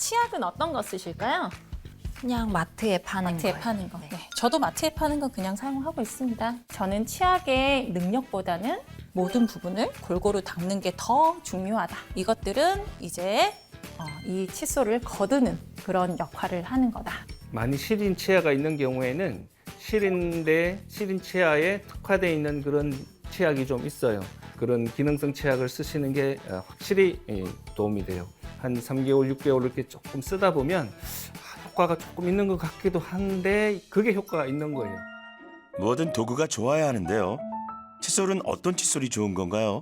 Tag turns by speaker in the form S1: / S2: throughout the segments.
S1: 치약은 어떤 거 쓰실까요?
S2: 그냥 마트에 파는
S1: 마트에
S2: 거예요.
S1: 파는 거.
S2: 네.
S1: 네. 저도 마트에 파는 거 그냥 사용하고 있습니다. 저는 치약의 능력보다는 모든 부분을 골고루 닦는 게 더 중요하다. 이것들은 이제 이 칫솔을 거두는 그런 역할을 하는 거다.
S3: 많이 시린 치아가 있는 경우에는 시린데 시린 치아에 특화되어 있는 그런 치약이 좀 있어요. 그런 기능성 치약을 쓰시는 게 확실히 도움이 돼요. 한 3개월, 6개월 이렇게 조금 쓰다 보면 효과가 조금 있는 것 같기도 한데 그게 효과가 있는 거예요.
S4: 뭐든 도구가 좋아야 하는데요. 칫솔은 어떤 칫솔이 좋은 건가요?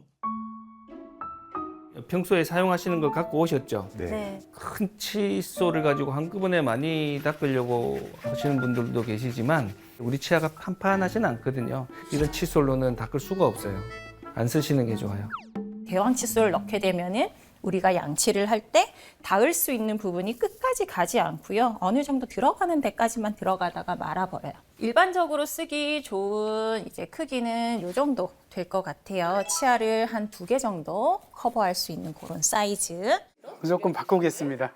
S3: 평소에 사용하시는 걸 갖고 오셨죠?
S2: 네.
S3: 큰 칫솔을 가지고 한꺼번에 많이 닦으려고 하시는 분들도 계시지만 우리 치아가 판판하진 않거든요. 이런 칫솔로는 닦을 수가 없어요. 안 쓰시는 게 좋아요.
S1: 대왕 칫솔을 넣게 되면은 우리가 양치를 할 때 닿을 수 있는 부분이 끝까지 가지 않고요. 어느 정도 들어가는 데까지만 들어가다가 말아버려요. 일반적으로 쓰기 좋은 이제 크기는 이 정도 될 것 같아요. 치아를 한 2개 정도 커버할 수 있는 그런 사이즈.
S5: 무조건 바꾸겠습니다.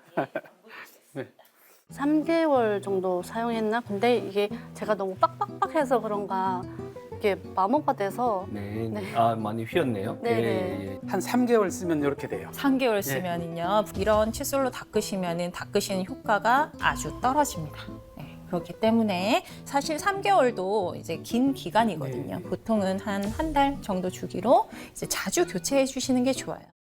S6: 3개월 정도 사용했나? 근데 이게 제가 너무 빡빡빡해서 그런가 이게 마모가 돼서
S3: 네,
S6: 네.
S3: 많이 휘었네요.
S6: 네네.
S3: 예.
S5: 한 3개월 쓰면 이렇게 돼요.
S1: 3개월 쓰면은요. 이런 칫솔로 닦으시면은 닦으시는 효과가 아주 떨어집니다. 네, 그렇기 때문에 사실 3개월도 이제 긴 기간이거든요.
S5: 네.
S1: 보통은 한 달 정도 주기로 이제 자주 교체해 주시는 게 좋아요.